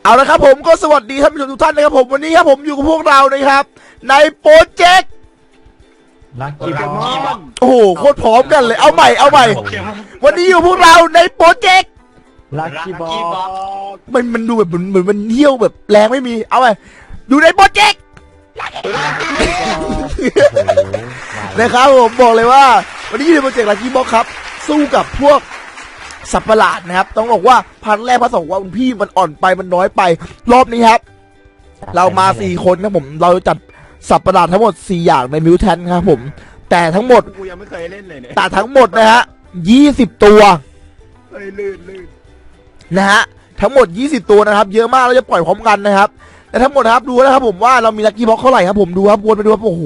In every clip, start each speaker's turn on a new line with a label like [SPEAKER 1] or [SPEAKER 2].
[SPEAKER 1] เอาละครับผมก็สวัสดีท่านผู้ชมทุกท่านนะครับผมวันนี้ครับผมอยู่กับพวกเรานะครับในโปรเจกต์
[SPEAKER 2] ลักกี้บอล
[SPEAKER 1] โอ้โหโคตรพร้อมกันเลยเอาใหม่วันนี้อยู่พวกเราในโปรเจกต์
[SPEAKER 2] ลักกี้บอล
[SPEAKER 1] มันดูแบบเหมือนมันเที่ยวแบบแรงไม่มีเอาไปอยู่ในโปรเจกต์นะครับผมบอกเลยว่าวันนี้อยู่ในโปรเจกต์ลักกี้บ็อกครับสู้กับพวกสัตว์ประหลาดนะครับต้องบอกว่าพันแรกพันสองว่าคุณพี่มันอ่อนไปมันน้อยไปรอบนี้ครับเรามา4 คนครับผมเราจัดสัตว์ประหลาดทั้งหมด4อย่างในมิวแทนครับผมแต่ทั้งหมด
[SPEAKER 3] กูยังไม่เคยเล่นเลยเนี่ย
[SPEAKER 1] แต่ทั้งหมดนะฮะ20 ตัว
[SPEAKER 3] เฮ้ยลื่น
[SPEAKER 1] นะฮะทั้งหมด20 ตัวนะครับเยอะมากเราจะปล่อยพร้อมกันนะครับแต่ทั้งหมดนะครับดูนะครับผมว่าเรามีลัคกี้บ็อกเท่าไหร่ครับผมดูครับวนไปดูครับโอ้โห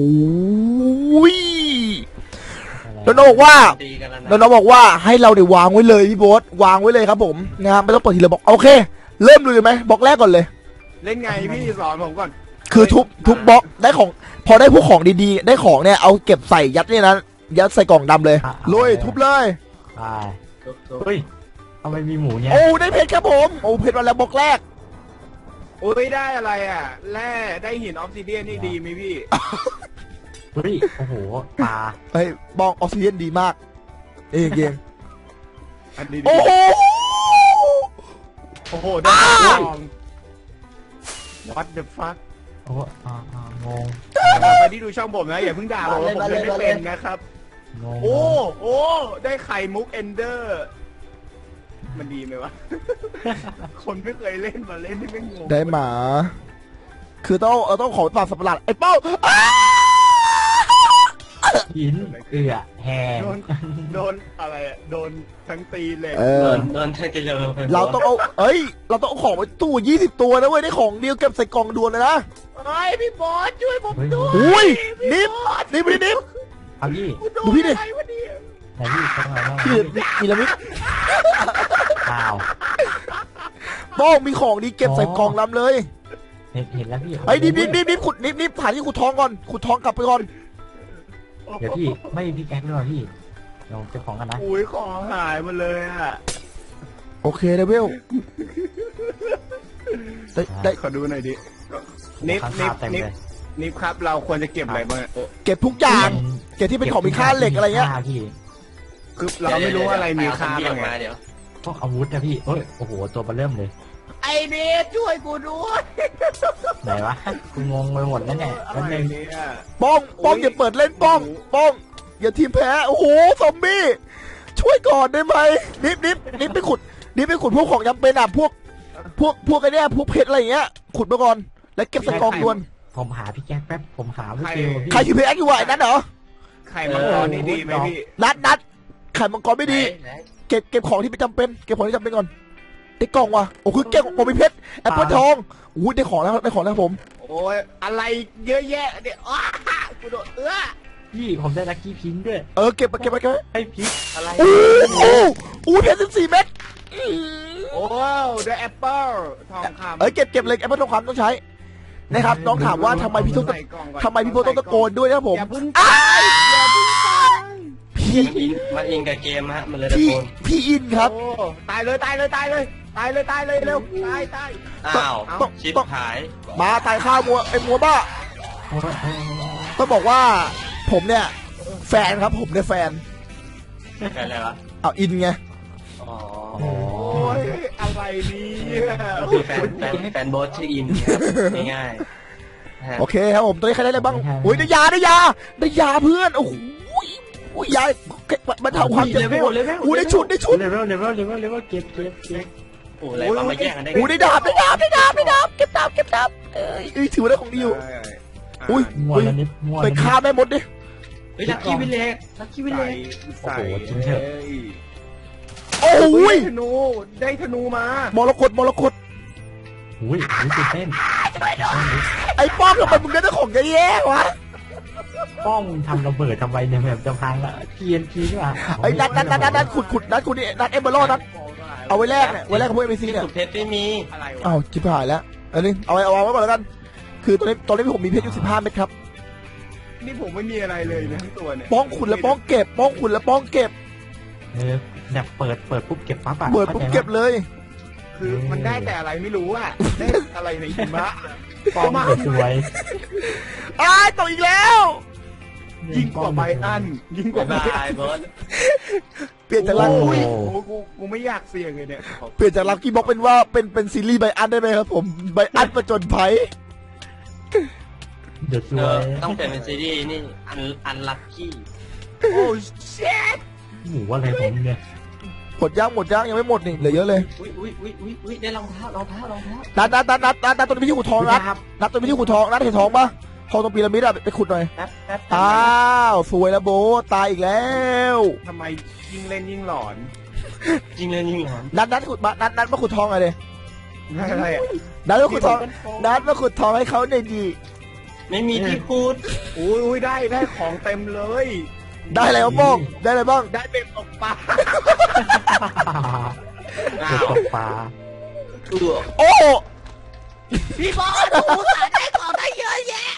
[SPEAKER 1] แล้วน้องบอกว่าให้เราเดี๋ยววางไว้เลยพี่โบ๊ทวางไว้เลยครับผมนะครับไม่ต้องเปิดทีละบล็อกโอเคเริ่มเลยไหมบล็อกแรกก่อนเลย
[SPEAKER 3] เล่นไงพี่สอนผมก่อน
[SPEAKER 1] คือทุบบล็อกได้ของพอได้พวกของดีๆได้ของเนี่ยเอาเก็บใส่ยัดเนี่ยนะยัดใส่กล่องดำเลยลุยทุบเลย
[SPEAKER 2] ไปเฮ้ยทำไมมีหมูเนี่ย
[SPEAKER 1] โอ้ได้เพชรครับผมโอ้เพชรมาแล้วบล็อกแรก
[SPEAKER 3] โอ้ยได้อะไรอ่ะแร่ได้หินออฟซิเดียนนี่ดีไหมพี่
[SPEAKER 2] เฮ้ยโอ้โหปลา
[SPEAKER 1] เฮ้ยบองออกซิเจนดีมากเอง
[SPEAKER 3] อันนี้ดี
[SPEAKER 1] โอ้โห
[SPEAKER 3] โอ้โหได้ทอง What the fuck
[SPEAKER 2] โอ้โหงง
[SPEAKER 3] ไปที่ดูช่องผมนะอย่าเพิ่งด่าผมเล่นไม่เป็นนะครับ
[SPEAKER 2] งง
[SPEAKER 3] โอ้ได้ไข่มุกเอนเดอร์มันดีไหมวะ คนไม่เคยเล่นมาเล่นที่ไม่งง
[SPEAKER 1] ได้หมา คือต้องขอฝากสัตว์ประหลาดไอ้เป้า
[SPEAKER 2] หินแหง
[SPEAKER 3] โดนอะไรอ่ะโดนทั้งตีเลย
[SPEAKER 4] โดนเธอจะเลย
[SPEAKER 1] เราต้องเอาเราต้องเอาของไปตู้20 ตัวนะเว้ยได้ของเดียวเก็บใส่กล่องด่วนเลยนะ
[SPEAKER 3] ไอ้พี่บอสช่วยผมด้วย
[SPEAKER 1] อุ้ยนิบนิบ
[SPEAKER 2] เอาพี่
[SPEAKER 1] ดูพี่ดิ
[SPEAKER 3] อะไรวะเนี่ย
[SPEAKER 2] ไหนพี่เข้ามาแล้ว
[SPEAKER 1] พี่พีระมิด
[SPEAKER 2] อ้าว
[SPEAKER 1] ป้องมีของดีเก็บใส่กล่องลำเลย
[SPEAKER 2] เห็นแล้วพี่
[SPEAKER 1] ไอ้นิบขุดนิบผ่านที่ขุดทองก่อนขุดทองกลับไปก่อน
[SPEAKER 2] เดี๋ยวพี่ไม่พี่แก๊กด้วยพี่ลองเก็บของกันนะ
[SPEAKER 3] อุ้ยของหายหมาเลยอ่ะ
[SPEAKER 1] โอเคเดวิลได้
[SPEAKER 3] ขอดูหน่อยดิ
[SPEAKER 2] ข้างๆเต็มเลย
[SPEAKER 3] นิฟครับเราควรจะเก็บอะไรบ้างโอ้
[SPEAKER 1] เก็บทุกอย่างเก็บที่เป็นของมีค่าเหล็กอะไรเงี้ย
[SPEAKER 2] พี่
[SPEAKER 3] คือเราไม่รู้อะไรมีค่าบ้างไง
[SPEAKER 4] เดี๋ยว
[SPEAKER 2] พวกอาวุธนะพี่เอ้ยโอ้โหตัวเบลเริ่มเลย
[SPEAKER 3] ไอเบสช่วยกูด้วย
[SPEAKER 2] ไหนวะกูงงไปหมดแล้วเนี่ย
[SPEAKER 3] อะ
[SPEAKER 2] แล้ว
[SPEAKER 3] ไร
[SPEAKER 2] นึง
[SPEAKER 3] เนี่ย
[SPEAKER 1] ป้องอย่าเปิดเล่นป้องอย่าทีมแพ้โอ้โหซอมบี้ช่วยก่อนได้ไหมนิบไปขุดพวกของจำเป็นอ่ะพวกไอ้เนี่ยพวกเพชรอะไรอย่างเงี้ยขุดมาก่อนแล้วเก็บใส่กล่องด่วน
[SPEAKER 2] ผมหาพี่แก๊กแป๊บผมหาพี่เกลพี่
[SPEAKER 1] ใครถือเพชรอยู่วะไอ้นั่นเหรอ
[SPEAKER 3] ไข่มังกรนี่ดีไหมพี่
[SPEAKER 1] นัดไข่มังกรไม่ดีเก็บของที่ไม่จำเป็นเก็บของที่จำเป็นก่อนได้กล่องว่ะโอ้คือเก็บของมีเพชรแอปเปิลทองอุ้ยได้ของแล้วผม
[SPEAKER 3] โอ้ยอะไรเยอะแยะเนี่ยอ้ากูโดน
[SPEAKER 2] พี่ผมได้ลัคกี้พิงค์ด้วย
[SPEAKER 1] เก็บไป
[SPEAKER 2] ให้พิงค์
[SPEAKER 3] อะไร
[SPEAKER 1] อู้เพชร14 เม็ด
[SPEAKER 3] โอ้ได้แอปเปิ้ลทองคำ
[SPEAKER 1] เก็บเลยแอปเปิลทองคำต้องใช้นะครับน้องถามว่าทำไมพี่โพต้องตะโกนด้วยนะครับผม
[SPEAKER 3] อย่าเพิ่งตายอย่าเพิ่งตาย
[SPEAKER 4] มันอิงกับเกมฮะมันเลยตะโกน
[SPEAKER 1] พี่อินครับ
[SPEAKER 3] โอ้ตายเลยเร็วตาย
[SPEAKER 4] อ้าวชิปหาย
[SPEAKER 1] มาตายข้าวมัวบ้าต้องบอกว่าผมเนี่ยแฟนครับผมเนี่ยแฟน
[SPEAKER 4] แค่อะไรวะ
[SPEAKER 1] เอาอินไง
[SPEAKER 4] อ๋อ
[SPEAKER 3] โอ้ยอะไรเนี่ย
[SPEAKER 4] ก็คือแฟนโบสชื่ออินครับง่ายๆ
[SPEAKER 1] โอเคครับผมตอนนี้ใครได้อะไรบ้างอุ้ยได้ยาเพื่อนโอ้โหยามันทำความเจ็บปวดอุ้ยได้ชุด
[SPEAKER 2] เลเวลเก็บ
[SPEAKER 4] โอ้อะไรวะมาแย่งกันได้
[SPEAKER 1] อุ้ยได้ดาบเก็บดาบถือว่าได้ของดีอยู่อุ้ย
[SPEAKER 2] มัวแล้วนิดมัว
[SPEAKER 1] ไปฆ่าแม่มดดิ
[SPEAKER 4] เฮ้ยลักกี้วิลเลจ
[SPEAKER 3] ใส่
[SPEAKER 1] โอ้ย
[SPEAKER 3] ได้ธนูมาม
[SPEAKER 1] รกต
[SPEAKER 2] อุ้ยตื่นเต้น
[SPEAKER 1] ไอ้ป้อมทำไมมึงได้ของแย่ๆวะ
[SPEAKER 2] ป้องทำระเบิดทำไมเนี่ยแบบจะพังละ TNT นี่ว่ะ
[SPEAKER 1] ไอ้นัดขุดนี่นัดเอเบอร์ลนัดเอาไว้แลกกับพวกเอ็มซีเนี่ย
[SPEAKER 4] สุดเพชรไม่มี
[SPEAKER 3] อะไรวะ
[SPEAKER 1] อ้าวจิบหายแล้วอันนี้เอาไว้ก่อนแล้วกันคือตอนนี้ผมมีเพชรอยู่15 เม็ดครับ
[SPEAKER 3] นี่ผมไม่มีอะไรเลยนะทั้งตัวเนี่ย
[SPEAKER 1] ป้องขุดแล้วป้องเก็บ
[SPEAKER 2] แบบเปิดปุ๊บเก็บปั๊บอะ
[SPEAKER 1] เปิดปุ๊บเก็บเลย
[SPEAKER 3] คือมันได้แต่อะไรไม่รู้อะได้อะไรในหิมะ
[SPEAKER 2] ป้อมสวย
[SPEAKER 1] อ้ายตกอีกแล้ว
[SPEAKER 2] ๆ
[SPEAKER 3] ยิ่งกว่าไบอันยิ่งกว่า
[SPEAKER 4] บ๊าย
[SPEAKER 3] ไบ
[SPEAKER 4] บา
[SPEAKER 3] อั
[SPEAKER 4] ย
[SPEAKER 3] น
[SPEAKER 4] บอส
[SPEAKER 1] เปลี่ยนจากลัก
[SPEAKER 3] โอ้ยกูไม่อยากเสี่ยงเลยเนี่ย
[SPEAKER 1] เปลี่ยนจากลักกี้บ็อกเป็นว่าเป็นซีรีส์ไบอันได้ไหมครับผมไบอันประจนภัย
[SPEAKER 2] เดือดส
[SPEAKER 4] เอ
[SPEAKER 2] ว
[SPEAKER 4] อย ต้องเปลี่ยนเป็นซีรีส์นี่อันลัคกี้
[SPEAKER 3] โอ้เชด
[SPEAKER 2] หมูอะไรผมเนี่ย
[SPEAKER 1] หมดย่างยังไม่หมดนี่เหลือเยอะเลย
[SPEAKER 4] อุ้ยได้รองเท้ารองเท้ารองเท้า
[SPEAKER 1] นัดตัวนี้พี่ขุดทองนัดตัวนี้พี่ขุดทองนัดเห็นทองปะทองตรงพีระมิดอะไปขุดหน่อย
[SPEAKER 4] แป๊บ
[SPEAKER 1] อ้าวสวยแล้วโบทตายอีกแล้ว
[SPEAKER 3] ทำไมยิ่งเล่นยิ่งหลอน
[SPEAKER 4] ยิงเลยยิงหลอน
[SPEAKER 1] นัดขุดมานัดมาขุดทองอะไร
[SPEAKER 3] อะไรอะ
[SPEAKER 1] นัดมาขุดทองนัดมาขุดทองให้เขาหน่อยดี
[SPEAKER 4] ไม่มีที่พูด
[SPEAKER 3] อุ้ยได้ของเต็มเลย
[SPEAKER 1] ได้อะไรบ้างได้อะไรบ้าง
[SPEAKER 3] ได้เป็นตกปลา
[SPEAKER 4] อ้า
[SPEAKER 2] เดือด
[SPEAKER 4] ว
[SPEAKER 2] ตกปลา
[SPEAKER 4] ตัว
[SPEAKER 1] โอ้
[SPEAKER 3] พี่บอสกูสาได้ของได้เยอะแยะ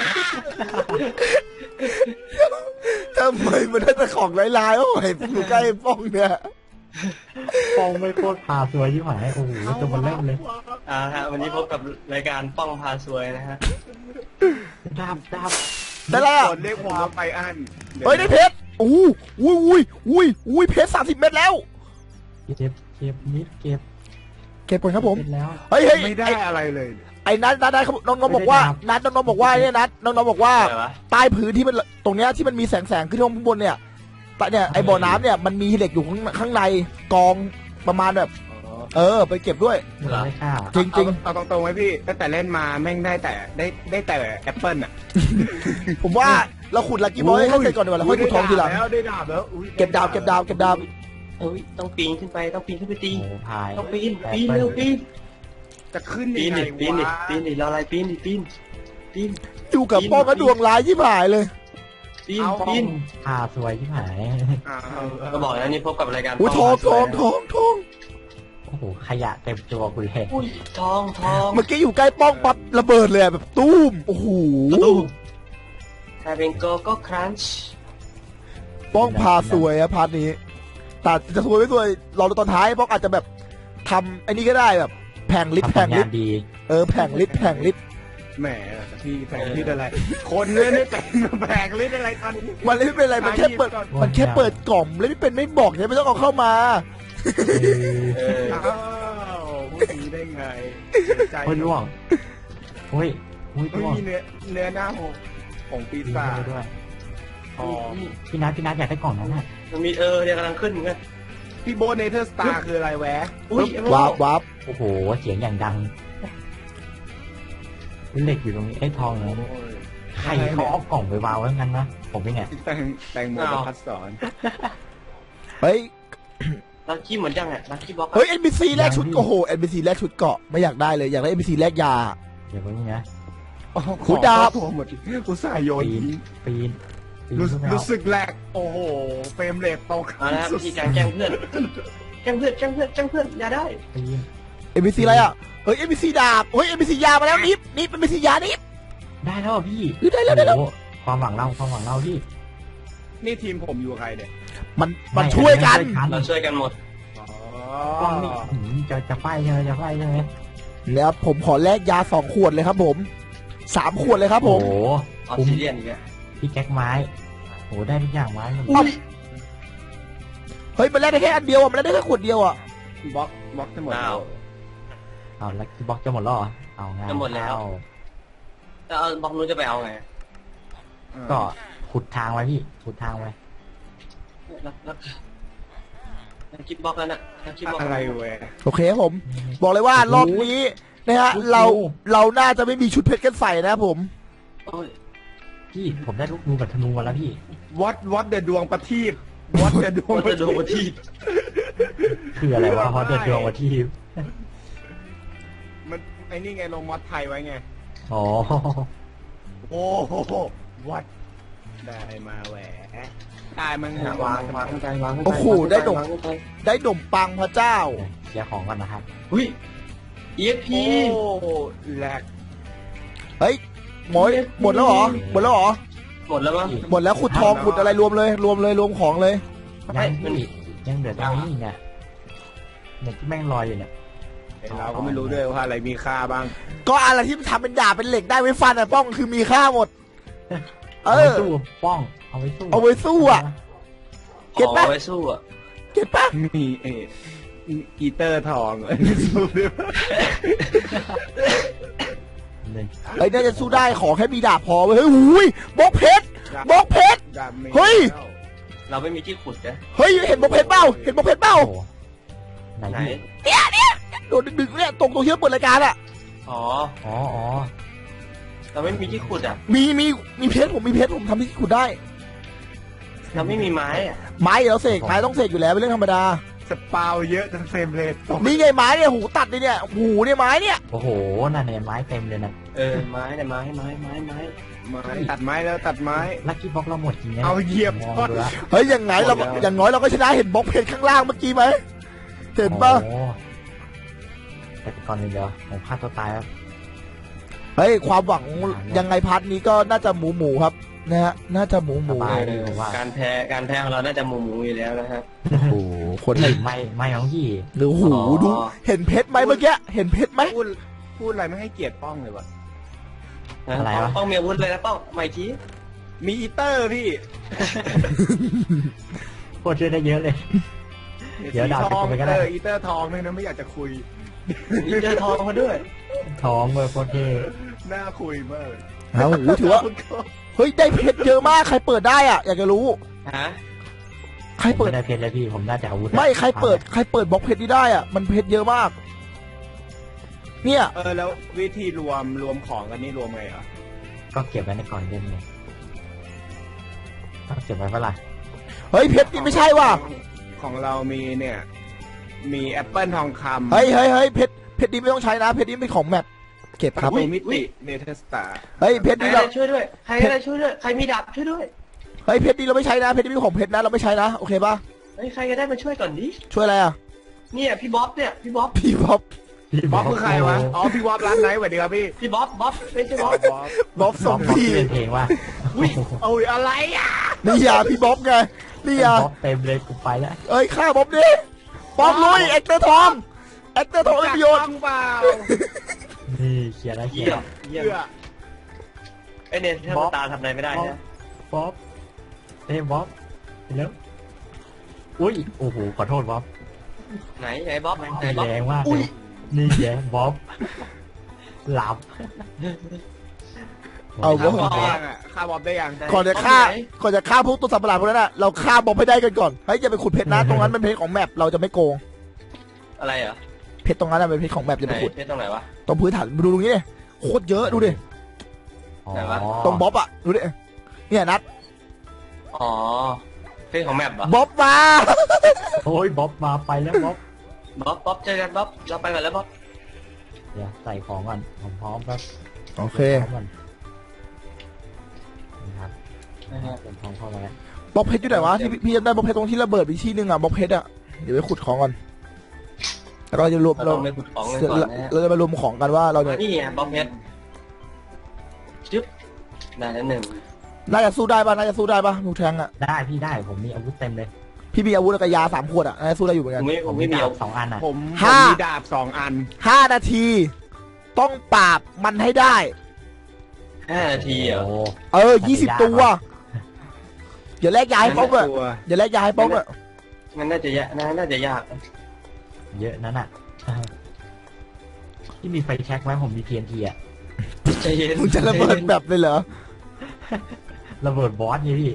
[SPEAKER 1] ทำไมมันได้แต่ของร้ายๆโอ้ยอยู่ใกล้ป้องเนี่ย
[SPEAKER 2] ป้องไม่โคตรพาสวยที่หายโอ้โหจะมาเล่นเลย
[SPEAKER 4] ฮะวันนี้พบกับรายการป้องพาซวยนะฮะ
[SPEAKER 2] ดับ
[SPEAKER 1] ได้แล้ว
[SPEAKER 3] คนเรียกผมว่าไบอัน
[SPEAKER 1] เฮ้ยได้เพชรอุ้ยเพชร30 เม็ดแล้ว
[SPEAKER 2] เก็บนิดเก็บ
[SPEAKER 1] เก็บก่อนครับผม
[SPEAKER 2] เสร็จแล้ว
[SPEAKER 1] เฮ้ย
[SPEAKER 3] ไม่ได้อะไรเลย
[SPEAKER 1] ไอ้นัดเขาน้องๆบอกว่านัดน้องๆบอกว่าเนี่ยนัดน้องๆบอกว่า
[SPEAKER 4] อะไรวะ
[SPEAKER 1] ใต้พื้นที่มันตรงเนี้ยที่มันมีแสงขึ้นข้างบนเนี่ยแต่เนี่ยไอ้บ่อน้ำเนี่ยมันมีเหล็กอยู่ข้างในกองประมาณแบบไปเก็บด้วย
[SPEAKER 2] ไม่ได้ค่า
[SPEAKER 1] จริง
[SPEAKER 3] เอาตรงๆไว้พี่ตั้งแต่เล่นมาแม่งได้แต่แอปเปิลอะ
[SPEAKER 1] ๆ ผมว่าเราขุดลักกี้บอยให้เสร็จก่อนดีกว่าแล้วค่อยขุดทองทีหลัง
[SPEAKER 3] ได้ดาบแล้วอุ๊ย
[SPEAKER 1] เก็บดาว
[SPEAKER 4] เอ้ยต้องปีนขึ้นไปตี
[SPEAKER 2] โอ้โหพาย
[SPEAKER 4] ต้องปีนเร็วปีน
[SPEAKER 3] จะขึ้น
[SPEAKER 4] ปี
[SPEAKER 3] ยั
[SPEAKER 4] น
[SPEAKER 3] งไง
[SPEAKER 4] ดิปีนดิ
[SPEAKER 3] วะ
[SPEAKER 4] ปีนดิรออะไรปีนดิปีน
[SPEAKER 1] อยู่กับป้องก็ดวงร้ายที่ผายเลย
[SPEAKER 4] ปีน
[SPEAKER 2] ป้องพาสวยที่หาย
[SPEAKER 3] อ้าว
[SPEAKER 4] ก็บอกแล้วนี่พบกับรายการ
[SPEAKER 1] อุ้ยทอง
[SPEAKER 2] โอ้โหขยะเต็มตัวคุณเลย
[SPEAKER 4] อุ้ยทอง
[SPEAKER 1] เมื่อกี้อยู่ใกล้ป้องปั๊บระเบิดเลยแบบตุ้มโอ้โห
[SPEAKER 4] ถ้าเป็นโกก็ครันช์
[SPEAKER 1] ป้องพาสวยอะพาร์ทนี้แต่จะสวยไม่สวยรอดูตอนท้ายป้องอาจจะแบบทำไอ้นี่ก็ได้แบบแผงลิฟต์
[SPEAKER 2] ทำผลงานดี
[SPEAKER 1] แผงลิฟต์
[SPEAKER 3] แหมพี่แผงลิดอะไร คนเล่นไม่เป็นแผงลิดอะไรตอนนี้
[SPEAKER 1] มันไม่เป็นไรมันแค่เปิดกล่องแล้วไม่เป็นไม่บอกเนี่ยไม่ต้องเอาเข้ามา
[SPEAKER 4] เออ
[SPEAKER 3] อ้าวพูดอย่างนี้ได้ไงใจ
[SPEAKER 2] โอ้ยล่วงโอ้ย
[SPEAKER 3] ไม่
[SPEAKER 2] ล่วง
[SPEAKER 3] มีเนื้อหน้าของปีศาจ
[SPEAKER 2] ด้วย
[SPEAKER 3] อ๋อ
[SPEAKER 2] พี่นัทอยากได้กล่องนั้นน่ะ
[SPEAKER 4] มันมีเนี่ยกำลังขึ้นเหมือนกัน
[SPEAKER 3] พี่โบทเนเธอร์สตาร์คืออะไรแวะ
[SPEAKER 4] อุ้ย
[SPEAKER 1] วับ
[SPEAKER 2] โอ้โหเสียงอย่างดังเหล็กอยู่ตรงนี้ไอ้ทองเนี่ยใครเขาเอากล่องไปวางไว้งั้นนะผมเป็นไง
[SPEAKER 3] แตงโมประพัดสอน
[SPEAKER 1] เฮ้ย
[SPEAKER 4] ลัคกี้เหมือนจังอ่ะลัคกี้บ็อก
[SPEAKER 1] เฮ้ย NPC แลกชุดโอ้โห NPC แลกชุดเกาะไม่อยากได้เลยอยากได้ NPC แลกยา
[SPEAKER 2] เดี๋ยวไว้นี่นะ
[SPEAKER 1] หูดาบ
[SPEAKER 3] หมดอุตส่าห์โยน
[SPEAKER 2] ปีน
[SPEAKER 3] รู้สึกแหลกโอ้โหเฟรมเรทตก
[SPEAKER 4] เอาละครับวิธีการแกล้งเพื่อนอย่าได้
[SPEAKER 2] ปีน
[SPEAKER 1] NPC อะไรอ่ะเฮ้ย NPC ดาบเฮ้ย NPC ยามาแล้วนิฟเป็น NPC ยานิฟ
[SPEAKER 2] ได้แล้วพี่
[SPEAKER 1] ได้แล้ว
[SPEAKER 2] โอ้โหความหวังเราพี่
[SPEAKER 3] นี่ทีมผมอยู่กับใครเนี่ย
[SPEAKER 1] มันช่วยกัน
[SPEAKER 4] เราช่วยกันหมด
[SPEAKER 3] อ๋
[SPEAKER 2] กล้องนี่
[SPEAKER 3] อ
[SPEAKER 2] จะไฟใช่ไหม
[SPEAKER 1] แล้วผมขอแลกยา2 ขวดเลยครับผม3 ขวดเลยครับผม
[SPEAKER 2] โอ้โห
[SPEAKER 4] ออสซิเดียนอีกแล้ว
[SPEAKER 2] พี่แก๊กไม้โอ้โหได้ทุกอย่างไม้หมด
[SPEAKER 4] อุ้ย
[SPEAKER 1] เฮ้ยมันแลกได้แค่อันเดียวอ่ะมันแลกได้แค่ขวดเดียวอ่ะ
[SPEAKER 3] บล็อกทั้งหมดแล้ว
[SPEAKER 2] เอาแล้วบล็อกจะหมดแล้วเหรอเอางาน
[SPEAKER 4] จะหมดแล้วแล้วเอาบล็อกนู้นจะไปเอาไง
[SPEAKER 2] ก็ขุดทางไว้พี่ขุดทางไว้
[SPEAKER 4] ลัคกี้บ็อกแล้วนะลัคกี้บ็อก
[SPEAKER 3] อะไรเว้ย
[SPEAKER 1] โอเคครับผม บอกเลยว่ารอบนี้นะฮะเราน่าจะไม่มีชุดเพชรกันใส่นะครับผม
[SPEAKER 4] โอ้ย
[SPEAKER 2] พี่ผมได้ลูกนูกับธนูมาแล้วพี่
[SPEAKER 3] วัดเดดวงประทีปวัดเดดวง
[SPEAKER 4] มันจะโดนที่
[SPEAKER 2] คืออะไรวะฮอตเดอร์ดวงวันที่
[SPEAKER 3] มันไอ้นี่ไงลงมอดไทยไว้ไง
[SPEAKER 2] อ๋อ
[SPEAKER 3] โอ้โหวัดได้มาแหวะได้มัน
[SPEAKER 4] วางขึ้นไปวางขึ้นไป
[SPEAKER 1] โอ้โหได้ดมปังพระเจ้า
[SPEAKER 2] เคลียร์ของก่อนนะครับ
[SPEAKER 4] อุ้ย EXP
[SPEAKER 3] โอ้แหลก
[SPEAKER 1] เฮ้ยหมดแล้วเหรอ
[SPEAKER 4] หมดแล้วมั้ง
[SPEAKER 1] หมดแล้วขุดทองขุดอะไรรวมของเลย
[SPEAKER 2] ยังพี่ยังเหลือตรงนี้อีกเนี่ยที่แม่งลอยอยู่เนี่ย
[SPEAKER 3] เราก็ไม่รู้ด้วยว่าอะไรมีค่าบ้าง
[SPEAKER 1] ก็อะไรที่มันทำเป็นดาบเป็นเหล็กได้ไว้ฟันอ่ะป้องคือมีค่าหมด เอ
[SPEAKER 2] เอาไว้
[SPEAKER 1] อ
[SPEAKER 2] สู้ป้องเอาไว้สู้
[SPEAKER 1] เอาไว้สู้อะ เก็ต
[SPEAKER 4] ขอ
[SPEAKER 1] ปะ
[SPEAKER 4] ไว้สู้อ่ะ
[SPEAKER 1] เก็ตปะ
[SPEAKER 3] มีอีเตอร์ทองสู้ด้วย
[SPEAKER 2] หนึ่ง
[SPEAKER 1] เฮ้ยน่าจะสู้ได้ขอแค่มีดาบพอเว้ยเฮ้ยหูยบล็อกเพชรบล็อกเพชร
[SPEAKER 3] ดาบมี
[SPEAKER 1] เฮ้ย
[SPEAKER 4] เราไม่มีที่ขุดนะ
[SPEAKER 1] เฮ้ยเห็นบล็อกเพชรเปล่าเห็นบล็อกเพชรเปล่า
[SPEAKER 2] โอ้โหไหน
[SPEAKER 4] ไหน
[SPEAKER 2] พี่
[SPEAKER 1] โดนดึกๆเนี่ยตรงที่เราเปิดรายการอ่ะ
[SPEAKER 4] อ๋อ
[SPEAKER 2] อ๋ออ๋อ
[SPEAKER 4] เราไม่มีที่ขุดอ่ะ
[SPEAKER 1] มีเพชรผมมีเพชรผมทำที่ขุดได้
[SPEAKER 4] เราไม่มีไม้อ่ะ
[SPEAKER 1] ไม้เราเสกไม้ต้องเสกอยู่แล้วเป็นเรื่องธรรมดา
[SPEAKER 3] สปาวเยอะจนเฟรมเรทตก
[SPEAKER 1] นี่ไงไม้เนี่ยหูตัดเลยเนี่ยหูเนี่ยไม้เนี่ย
[SPEAKER 2] โอ้โหนั่นเนี่ยไม้เต็มเลยนะ
[SPEAKER 4] ไม้เนี่ยไม้
[SPEAKER 3] ไม้ตัดไม้แล้วตัดไม้
[SPEAKER 2] ลักกี้บ็อกเราหมดจริงนะ
[SPEAKER 3] เอาเหยียบ
[SPEAKER 2] มอง
[SPEAKER 3] ก้อน
[SPEAKER 2] ดูละ
[SPEAKER 1] เฮ้ยอย่างไงเราอย่างน้อยเราก็ชนะเห็นบล็อกเพชรข้างล่างเมื่อกี้ไหมเห็นปะ
[SPEAKER 2] โอ้โหแต่ก่อนอื่นเดี๋ยวผมฆ่าตัวตายครับ
[SPEAKER 1] เฮ้ยความหวังยังไงพาร์ทนี้ก็น่าจะหมูครับนะฮะน่าจะหมู
[SPEAKER 2] สบายดีผมว่า
[SPEAKER 4] การแพ้ของเราน่าจะหมูอยู่แล้วนะฮะ
[SPEAKER 1] โอ้โหคนไหน
[SPEAKER 2] ไม่ของพี่
[SPEAKER 1] หรือหูดูเห็นเพชรไหมเมื่อกี้เห็นเพชรไหม
[SPEAKER 3] พูดอะไรไม่ให้เกียรติป้องเลยวะ
[SPEAKER 4] ป้องมีอาวุธเลยนะป้องไม่ชี้
[SPEAKER 3] มีอีเตอร์พี่
[SPEAKER 2] โคตรช่วยได้เยอะเลย เดี๋ยวดาบ
[SPEAKER 3] ทอง
[SPEAKER 2] ไปก็ได้
[SPEAKER 3] อีเตอร์ทองเนี่ยนะไม่อยากจะคุย
[SPEAKER 4] มีเจอทองมาด้วย
[SPEAKER 2] ท้องเลยโคตรเท่
[SPEAKER 3] น่าคุยมาก
[SPEAKER 1] โอ้โหถือว่าเฮ้ยได้เพชรเยอะมากใครเปิดได้อ่ะอยากจะรู้
[SPEAKER 4] ฮะ
[SPEAKER 1] ใคร
[SPEAKER 2] ผม
[SPEAKER 1] เปิด
[SPEAKER 2] ไม่ได้เพชรเลยพี่ผมน่าจะอาวุธ
[SPEAKER 1] ไม่ใครเปิดบล็อกเพชรนี้ได้อ่ะมันเพชรเยอะมาก เนี่ย
[SPEAKER 3] แล้ววิธีรวมของกันนี่รวมไงอ่ะ
[SPEAKER 2] ก็เก็บไว้ในก่อนเล่นไงต้องเก็บไว้เปะล่า
[SPEAKER 1] เฮ้ยเพชรนี่ไม่ใช่ว่ะ
[SPEAKER 3] ของเรามีเนี่ย มีแอปเปิลทองคำ
[SPEAKER 1] เฮ้ยเพชรนี้ไม่ต้องใช้นะเพชรนี้เป็นของแมปเก็บครับ
[SPEAKER 3] ประตูมิติเนเธอร์สตาร์
[SPEAKER 1] เฮ้ยเพชร
[SPEAKER 4] ใคร
[SPEAKER 1] นี้
[SPEAKER 4] ได้
[SPEAKER 1] เรา
[SPEAKER 4] ช่วยด้วยใครได้ช่วยด้วยใครมีดาบช่วยด้วย
[SPEAKER 1] เฮ้ยเพชรนี้เราไม่ใช้นะเพชรนี้เป็นของเพชรนะเราไม่ใช้นะโอเคป่ะ
[SPEAKER 4] เฮ้ยใครก็ได้มาช่วยก่อนดิ
[SPEAKER 1] ช่วยอะไรอ่ะ
[SPEAKER 4] เนี่ยพี่บ๊อบเนี่ยพี่บ๊อบ
[SPEAKER 1] พี่บ๊อบ
[SPEAKER 2] พี่
[SPEAKER 3] บ๊อบคือใครวะ อ๋อ พี่วอบร้านไหนสวัสดีครับพี่
[SPEAKER 4] พี่บ๊อบไม่ใช่บ๊อบ
[SPEAKER 3] บ๊อบ
[SPEAKER 1] บ๊อบส
[SPEAKER 2] ส
[SPEAKER 1] อ
[SPEAKER 2] อง ง
[SPEAKER 1] พี่
[SPEAKER 2] พี่เป็นเพลงว่า
[SPEAKER 3] โอ้ยอะไรอ่ะ
[SPEAKER 1] นี่ยาพี่บ๊อบไงนี่ยา
[SPEAKER 2] บ๊อบเต็มเลยกูไปแล้ว
[SPEAKER 1] เอ้ยฆ่าบ๊อบดิบ๊อบลุยเอ็กเตอร์ทองเอ็กเตอร์ทองเป็นประโยชน์
[SPEAKER 3] จักต้องเปล่า
[SPEAKER 2] นี่เคลียร์แล้วเคลีย
[SPEAKER 4] เยี่ย
[SPEAKER 2] ร์
[SPEAKER 4] มเยี่ยม
[SPEAKER 3] เพื่อ
[SPEAKER 4] ไอเนี่ยถ้าตาทำอะไรไม่ได้นะ
[SPEAKER 2] บ๊อบบ๊อบแล้วอุ้ยโอ้โหขอโทษบ๊อบ
[SPEAKER 4] ไหนบ๊อบไหน
[SPEAKER 2] ตี
[SPEAKER 4] บ๊อบ
[SPEAKER 2] แรงมากเลยนี่แย่บ๊อบหลับ
[SPEAKER 1] เอา
[SPEAKER 3] ฆ่า
[SPEAKER 1] บ๊อบ
[SPEAKER 3] บ๊อบได้ยังอ่ะฆ่าบ๊อบได้ยัง
[SPEAKER 1] ก่อนจะฆ่าพวกตัวสัตว์ประหลาดพวกนั้นน่ะเราฆ่าบ๊อบให้ได้กันก่อนเฮ้ยอย่าไปขุดเพชรนะตรงนั้นเป็นเพชรของแมปเราจะไม่โกง
[SPEAKER 4] อะไรเหรอ
[SPEAKER 1] เพชรตรงนั้นน่ะเป็นเพชรของแมปอย่า
[SPEAKER 4] ไหน
[SPEAKER 1] ไปขุด
[SPEAKER 4] เพชรตรงไหนวะ
[SPEAKER 1] ตรงพื้นฐานดูตรงนี้ดิโคตรเยอะดูดิ
[SPEAKER 4] ไหนวะ
[SPEAKER 1] ตรงบ๊อบอ่ะดูดิเนี่ยนัด
[SPEAKER 4] อ๋อเพชรของแมปเหรอ
[SPEAKER 1] บ๊อบมา
[SPEAKER 2] โอ้ยบ๊อบมาไปแล้วบ๊อบ
[SPEAKER 4] บ๊อบเจอกันบ๊อบเราไปกันแล้วบ๊อบ
[SPEAKER 2] เดี๋ยวใส่ของก่อนผมพร้อมครับ
[SPEAKER 1] โอเค
[SPEAKER 2] พร้อมก่อนนะครับผมพร้อมเข้ามาแล้ว
[SPEAKER 1] บล็อกเพชรอยู่ไหนวะที่พี่จำได้บล็อกเพชรตรงที่ระเบิดไปที่นึงอ่ะบล็อกเพชรอ่ะเดี๋ยวไปขุดของก่อนแล้วเราจะรวม
[SPEAKER 4] เรา
[SPEAKER 1] เรา
[SPEAKER 4] ต้องไปขุดของกันก่อนนะฮะ
[SPEAKER 1] เราจะมารวมของกันว่าเราเนี่ย
[SPEAKER 4] นี่ไงบ๊อบเพชรจึ๊บได้แล้วหนึ่ง
[SPEAKER 1] น่าจะสู้ได้ป่ะน่าจะสู้ได้ป่ะมูแทงอ่ะ
[SPEAKER 2] ได้พี่ได้ผมมีอาวุธเต็มเลย
[SPEAKER 1] พี่มีอาวุธแล้วก็ยา3 ขวดอ่ะน่าจะสู้ได้อยู่เหมือน
[SPEAKER 4] ผ
[SPEAKER 1] กัน
[SPEAKER 4] มไม่มี
[SPEAKER 2] ดา
[SPEAKER 4] เอา
[SPEAKER 2] บ2 อันอ่ะ
[SPEAKER 3] ผม
[SPEAKER 1] ห้า
[SPEAKER 3] มีดาบ2 อัน
[SPEAKER 1] 5 นาที ต้องปราบมันให้ได้
[SPEAKER 4] 5 นาทีเหรอ
[SPEAKER 2] โอ้
[SPEAKER 1] 20 ตัวอย่าแลกยาให้ป้องอ่ะ
[SPEAKER 3] ตัว
[SPEAKER 1] อย่าแลกยาให้ป้องอ่ะ
[SPEAKER 4] มันน่าจะยากน่าจะยาก
[SPEAKER 2] เยอะนั่นอ่ะที่มีไฟแช็กไหมผมมี TNT อ่ะ
[SPEAKER 4] ใจเย็น
[SPEAKER 1] มึงจะระเบิดแบบเลยเหรอ
[SPEAKER 2] ระเบิดบอสไงพี่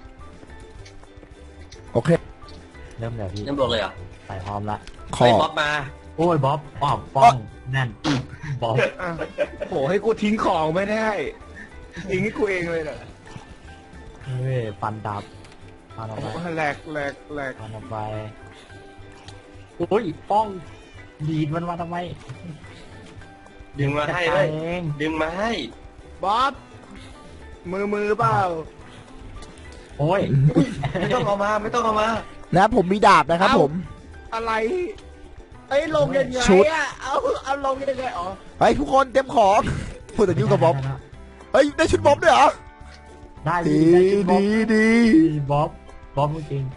[SPEAKER 1] โอเค
[SPEAKER 2] เริ่มแล้วพี่
[SPEAKER 4] น้ำบอกเลยเหรอ
[SPEAKER 2] ใส่พร้อมละ
[SPEAKER 1] ขอ
[SPEAKER 4] ไอ้บ๊อบมา
[SPEAKER 2] โอ้ยบ๊อบป้องนั่นบ๊อบ
[SPEAKER 3] อ่ะโหให้กูทิ้งของไม่ได้ทิ้งให้กูเองเลยเหรอ
[SPEAKER 2] เฮ้ยฟันดับฟันออกไป
[SPEAKER 3] แหลก
[SPEAKER 2] ฟันออกไปโอ้ยป้องดีดมันมาทำไม
[SPEAKER 4] ดึงมาให้
[SPEAKER 2] จัด
[SPEAKER 4] เล
[SPEAKER 2] การ
[SPEAKER 4] ย
[SPEAKER 2] เอง
[SPEAKER 4] ดึงมาให้
[SPEAKER 3] บ๊อบมือเปล่า
[SPEAKER 2] โอ้ย
[SPEAKER 4] ไม่ต้องเอามาไม่ต้องเอามา
[SPEAKER 1] นะผมมีดาบนะครับผม
[SPEAKER 3] อะไรไอ้ยลงยังไง
[SPEAKER 1] ชุด
[SPEAKER 3] อ่ะเอาลงยังไงอ๋อ
[SPEAKER 1] เฮ้ยทุกคนเตรียมของพูดแต่ยุ่งกับบ๊อบเฮ้ยได้ชุดบ๊อบด้วยเหรอ
[SPEAKER 2] ได้
[SPEAKER 1] ดี
[SPEAKER 2] พี่ได้ชุดบ๊อบ
[SPEAKER 1] ดี
[SPEAKER 2] บ๊อบจริง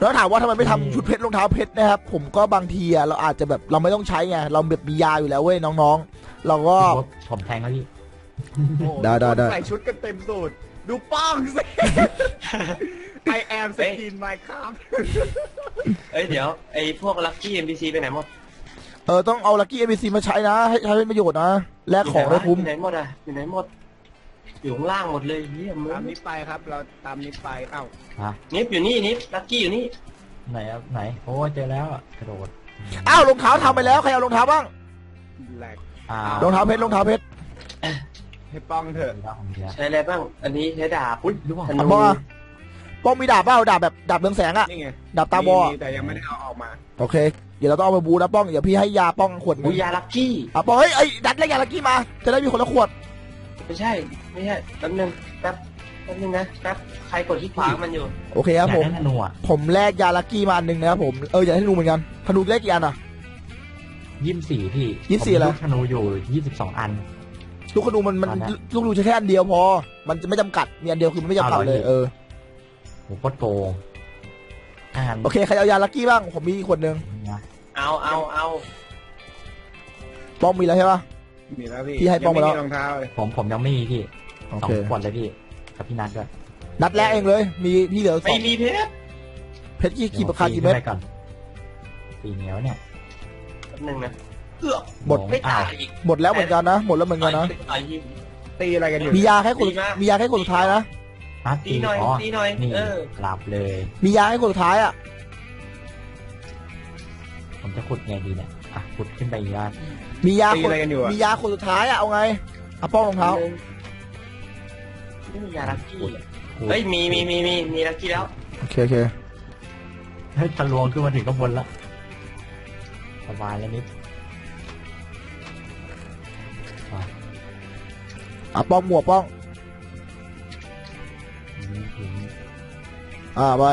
[SPEAKER 1] แล้วถามว่าทำไมไม่ทำชุดเพชรรองเท้าเพชรนะครับผมก็บางทีอะเราอาจจะแบบเราไม่ต้องใช้ไงเราแบบมียาอยู่แล้วเว้ยน้องๆ เราก็
[SPEAKER 2] ผมแทงแล้วพี่
[SPEAKER 3] โอ้โห
[SPEAKER 1] ได้
[SPEAKER 3] ใส่ชุดกันเต็มสูตรดูป้องสิ I am skin Minecraft
[SPEAKER 4] เอ้ยเดี๋ยวไอ้พวกลัคกี้ NPC ไปไหนหมด
[SPEAKER 1] ต้องเอาลัคกี้เอ c ซีมาใช้นะให้ใช้เป็นประโยชน์นะแลกของได้คุ้ม
[SPEAKER 4] อยู่ไหนหมดอ่ะอยู่ไหนหมด อยู่ข้างล่างหมดเลยเฮียมึง
[SPEAKER 3] ตามนี้ไปครับ เราตามนี้ไปเอ้า
[SPEAKER 4] นิฟอยู่นี่นิฟลัคกี้อยู่นี่
[SPEAKER 2] ไหนครับไหนโอ้เจอแล้วอะกระโดด
[SPEAKER 1] อ้าวรองเท้าทำไปแล้วใครเอารองเท้าบ้าง
[SPEAKER 3] แหลก
[SPEAKER 1] รองเท้าเพชรรองเท้าเพชร
[SPEAKER 3] ให้ป้องเถอะ
[SPEAKER 2] ของเดียว
[SPEAKER 4] ใช้อะไรบ้าง อันนี้ใช้ดาบ
[SPEAKER 2] อุ้ยรู้ป่ะ
[SPEAKER 4] ธ
[SPEAKER 1] อ่ะ
[SPEAKER 4] นู
[SPEAKER 1] ป้องอะป้องมีดาบเปล่าดาบแบบดาบเรืองแสงอะ
[SPEAKER 3] นี่ไง
[SPEAKER 1] ดาบตาบอด
[SPEAKER 3] มีแต่ยังไม่ได้เอาออกมา
[SPEAKER 1] โอเคเดี๋ยวเราต้องเอาไปบูนะป้องเดี๋ยวพี่ให้ยาป้องขวดหนึ
[SPEAKER 4] อุ
[SPEAKER 1] ง
[SPEAKER 4] ยยาลัคกี้
[SPEAKER 1] อ่ะป้องเฮ้ยไอ้ดัดแล้วยาลักกี้มาจะได้มีคนละขวด
[SPEAKER 4] ไม่ใช่แป๊บนึงแป๊บนึงนะแป๊บใครกดที่ขวางมันอยู่
[SPEAKER 1] โอเคครับ
[SPEAKER 2] อยาก
[SPEAKER 1] ผม
[SPEAKER 2] ได้ธนูอ่ะ
[SPEAKER 1] ผมแลกยาลักกี้มาอันหนึ่งนะครับผมอยากให้ธนูเหมือนกันธนูแลกกี่อันอะ
[SPEAKER 2] 24พี่
[SPEAKER 1] 24อะไร
[SPEAKER 2] ผมมีลูกธนูอยู่22อัน
[SPEAKER 1] ลูกธนูมัน
[SPEAKER 2] ตอนนั้น
[SPEAKER 1] ลูกธนูใช้แค่อันเดียวพอ มันจะไม่จำกัดมีอันเดียวคือมันไม่จำกัด
[SPEAKER 2] เอาเหรอ
[SPEAKER 1] เลย
[SPEAKER 2] โหโคตรโกงอาหาร
[SPEAKER 1] โอเคใครเอายาลักกี้บ้างผมมีขวดหนึ่ง
[SPEAKER 2] นะ
[SPEAKER 4] เอา
[SPEAKER 1] ป้องมีแล้วใช่ปะ
[SPEAKER 3] มีแล้วพี่
[SPEAKER 1] พี่ให้ป้องมาแล้ว
[SPEAKER 3] ยังไม่มีรองเท้าเลย
[SPEAKER 2] ผมยังไม่มีพี่
[SPEAKER 1] โอ
[SPEAKER 2] สอ
[SPEAKER 1] เค
[SPEAKER 2] งขวดเลยพี่กับพี่นัทด้วย
[SPEAKER 1] นัดแรกเองเลย มีพี่เหลือสอ
[SPEAKER 4] ไม่
[SPEAKER 1] ง
[SPEAKER 4] มีเพชร
[SPEAKER 1] เพชรกี่ประคากี่เม็ด
[SPEAKER 2] ดี๋ยวผมปีนขึ้นไปก่อนปีเหนียวเนี่ย
[SPEAKER 4] แป๊บนึงนะ
[SPEAKER 1] หมด
[SPEAKER 4] ไม่ตายอีก
[SPEAKER 1] หมดแล้วเหมือนกันนะหมดแล้วเหมือนกันนะ
[SPEAKER 4] ต่อยยิง
[SPEAKER 3] ตีอะไรกันอยู่
[SPEAKER 1] มียาแค่คน
[SPEAKER 4] ดีมาก
[SPEAKER 1] มียาแค่คนสุดท้ายนะ
[SPEAKER 2] นัด
[SPEAKER 4] ตีหน่อย
[SPEAKER 2] อ๋อ
[SPEAKER 4] ตีหน่อย
[SPEAKER 2] นี่
[SPEAKER 4] เออ
[SPEAKER 2] หลับเลย
[SPEAKER 1] มียาให้คนสุดท้ายอ่ะ
[SPEAKER 2] ผมจะขุดไงดีเนี่ยอ่ะขุดขึ้นไปอีกว่า
[SPEAKER 1] มียา
[SPEAKER 3] ตี
[SPEAKER 1] คน
[SPEAKER 3] อะไรกันอยู่อะ
[SPEAKER 1] มียาคนสุดท้ายอ่ะเอาไงอ่ะป้องรองเท้า
[SPEAKER 4] ไม่มียาลัคกี้
[SPEAKER 2] ขุด
[SPEAKER 4] เฮ้ยมีลัคกี้แล้ว
[SPEAKER 1] โอเคโอเค
[SPEAKER 2] เฮ้ยทะลวงขึ้นมาถึงข้างบนแล้วสบายแล้วนิด
[SPEAKER 1] อ่ะป้องหมวกป้อง
[SPEAKER 2] ถึง
[SPEAKER 1] ไป